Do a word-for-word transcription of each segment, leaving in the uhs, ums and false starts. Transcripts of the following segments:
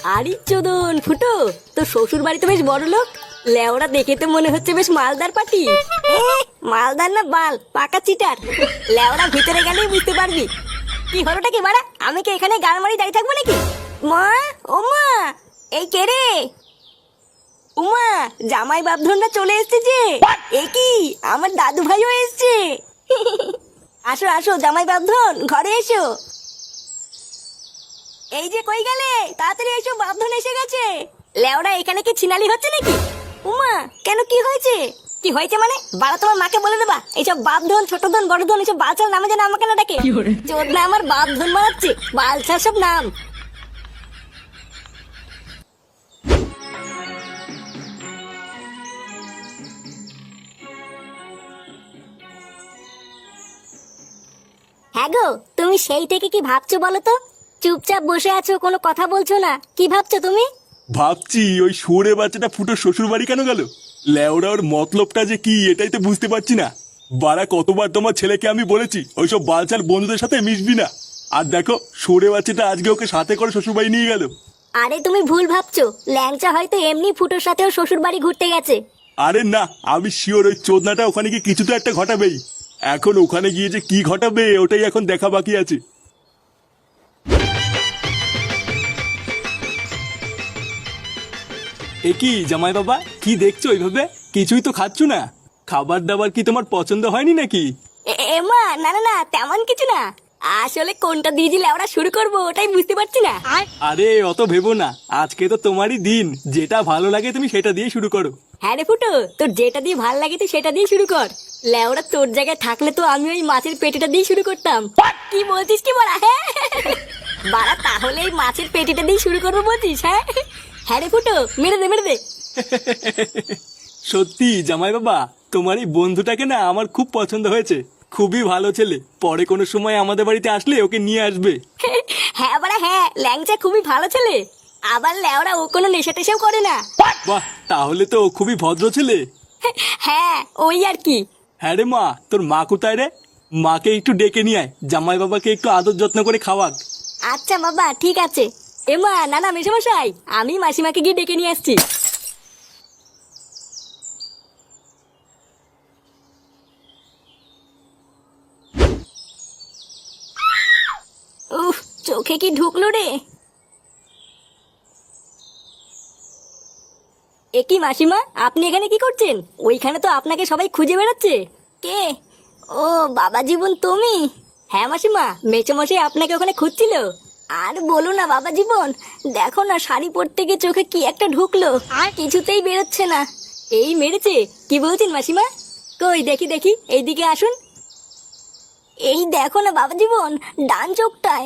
আরে চোদন ফুটো, তো শ্বশুর বাড়িতে বেশ বড় লোক। লেওরা দেখে তো মনে হচ্ছে বেশ মালদার পাটি। মালদার না বাল, পাকা চিটার। লেওরা ভিতরে গেলেই বুঝতে পারবি। কি হলোটা কি বাড়া? আমি কি এখানে গান মারি দাঁড়িয়ে থাকবো নাকি? মা, ও মা, এই কে রে? উমা, জামাই বাপধনরা চলে এসছে যে। এ কি, আমার দাদু ভাইও এসছে। আসো আসো জামাই বাপধন, ঘরে এসো। এই যে কই গেলে, তাড়াতাড়ি এসো, বাপধন এসে গেছে। লেওরা এখানে কি ছিনালি হচ্ছে নাকি? উমা, কেন কি হয়েছে? কি হয়েছে মানে? বাড়া তোমার মাকে বলে দেবা এইসব বাপধন, ছোট ধন, বড় ধন এইসব বালছাল নামে যেন আমাকে না ডাকে। চোদনা আমার বাপধন বানাচ্ছে, বালছাল সব নাম। হ্যাঁ গো, তুমি সেই থেকে কি ভাবছো বলো তো? চুপচাপ বসে আছো, কোনো কথা বলছো না, কি ভাবছো তুমি? ভাবছি ওই শুয়োরে বাচ্চাটা ফুটো শ্বশুর বাড়ি কেন গেল। লেওরা ওর মতলবটা যে কি এটাই তো বুঝতে পারছি না। বারা কতবার তোমার ছেলেকে আমি বলেছি ওইসব বালচাল বন্ধুদের সাথে মিশবি না, আর দেখো শুয়োরে বাচ্চাটা আজকে ওকে সাথে করে শ্বশুর বাড়ি নিয়ে গেল। আরে তুমি ভুল ভাবছো, ল্যাংচা হয়তো এমনি ফুটোর সাথেও শ্বশুর বাড়ি ঘুরতে গেছে। আরে না, আমি শিওর ওই চোদনাটা ওখানে গিয়ে কিছু তো একটা ঘটাবেই। এখন ওখানে গিয়ে যে কি ঘটাবে ওটাই এখন দেখা বাকি আছে। এ কি জামাই বাবা, কি দেখছো ওইভাবে? কিছুই তো খাচ্ছ না। খাবার দাবার কি তোমার পছন্দ হয়নি নাকি? এমা, না না না, তেমন কিছু না। আসলে কোনটা দিয়ে দিলে আমরা শুরু করবো ওটাই বুঝতে পারছি না। আরে অত ভেবো না, আজকে তো তোমারই দিন, যেটা ভালো লাগে তুমি সেটা দিয়ে শুরু করো। হ্যাঁ রে ফুটো, তোর যেটা দিয়ে ভাল লাগে তুই সেটা দিয়ে শুরু কর। লেওরা তোর জায়গায় থাকলে তো আমি ওই মাছের পেটিটা দিয়ে শুরু করতাম। কি বলছিস কি বলা? হ্যাঁ বাড়া, তাহলে এই মাছের পেটিটা দিয়ে শুরু করবো বলছিস? হ্যাঁ হ্যাঁ রে ফুটো, মেরে দে মেরে দে। সত্যি জামাই বাবা, তোমার এই বন্ধুটাকে না আমার খুব পছন্দ হয়েছে। খুবই ভালো ছেলে, পরে কোনো সময় আমাদের বাড়িতে আসলে ওকে নিয়ে আসবে। হ্যাঁ বাড়া হ্যাঁ, ল্যাংচা খুবই ভালো ছেলে। আবার লেওরা ও কোনো নেশা টেশাও করে না। বাহ, তাহলে তো ও খুবই ভদ্র ছেলে। হ্যাঁ ওই আর কি। হ্যাঁ রে মা, তোর মা কোথায় রে? মাকে একটু ডেকে নিয়ে আয়, জামাই বাবাকে একটু আদর যত্ন করে খাওয়াক। আচ্ছা বাবা, ঠিক আছে। এমা, না না মেশামশাই, আমি মাসিমাকে গিয়ে ডেকে নিয়ে আসছি। উফ, চোখে কি ঢুকলো রে? এ কি মাসিমা, আপনি এখানে কি করছেন? ওইখানে তো আপনাকে সবাই খুঁজে বেড়াচ্ছে। কে? ও বাবা জীবন, তুমি? হ্যাঁ মাসিমা, মেচোমশাই আপনাকে ওখানে খুঁজছিল। আর বলো না বাবা জীবন, দেখো না শাড়ি পরতে গিয়ে চোখে কি একটা ঢুকলো, আর কিছুতেই বেরোচ্ছে না। এই মেরেছে? কি বলছেন মাসিমা? কই দেখি দেখি, এইদিকে আসুন। এই দেখো না বাবা জীবন, ডান চোখটায়।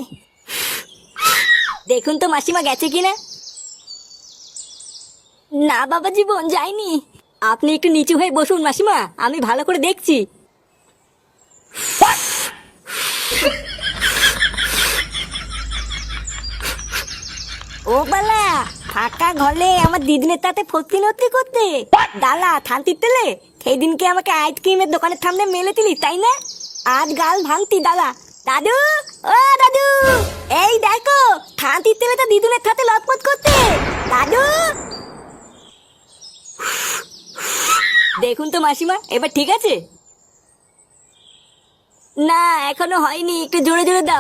দেখুন তো মাসিমা গেছে কিনা। না বাবা জীবন, যাইনি। আপনি একটু নিচু হয়ে বসুন মাসিমা, আমি ভালো করে দেখছি। ও বালা, ফাঁকা ঘরে আমার দিদিনের তাতে ফতি নতি করতে ডালা থানতির তেলে সেই দিনকে আমাকে আইসক্রিমের দোকানের সামনে মেলে দিলি, তাই না? আজ গাল ভাঙতি ডালা। দাদু, ও দাদু, এই দেখো থানতির তেলে তো দিদুনের সাথে লটপট করতে। দাদু, দেখুন তো মাসিমা, এবার ঠিক আছে? না এখনো হয়নি, একটু জোরে জোরে দাও।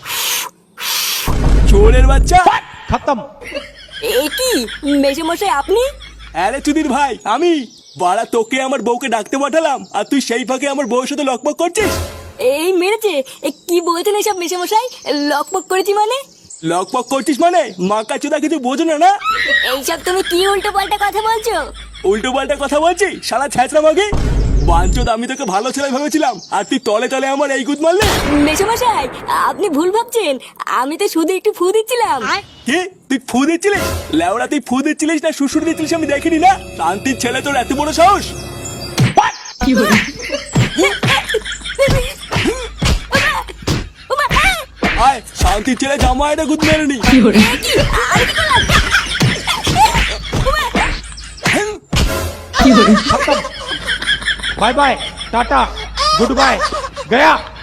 চোরের বাচ্চা, খতম। এ কি মেশামশাই আপনি? আরে চুদির ভাই, আমি। বাড়া, তোকে আমার বউকে ডাকতে পাঠালাম আর তুই সেই ফাঁকে আমার বউর সাথে লকপক করছিস। এই মেরেছে? এ কি বলছেন এসব মেশামশাই? লকপক করেছি মানে? লকপক করছিস মানে মাকা চোদা কিছু বোঝো না না? এইসব তুমি কি উল্টো পাল্টা কথা বলছো? উল্টো পাল্টা কথা বলছি শালা ছ্যাঁচড়া মাগে। বাঞ্চোদ, আমি তোকে ভালো ছেলে ভেবেছিলাম আর তুই তলে তলে আমার এই গুদ মারলে। মেশামশাই আপনি ভুল ভাবছেন, আমি তো শুধু একটু ফু দিচ্ছিলাম। কি তুই ফু দিচ্ছিলিস? লেওড়া, তুই ফু দিচ্ছিলিস না শ্বশুর দিচ্ছিলিস আমি দেখিনি না? শান্তির ছেলে, তোর এত বড় সাহস! আয়, শান্তির ছেলে জামাইটা গুদ মেরে নি। खत्म। Bye bye, tata, goodbye, गया।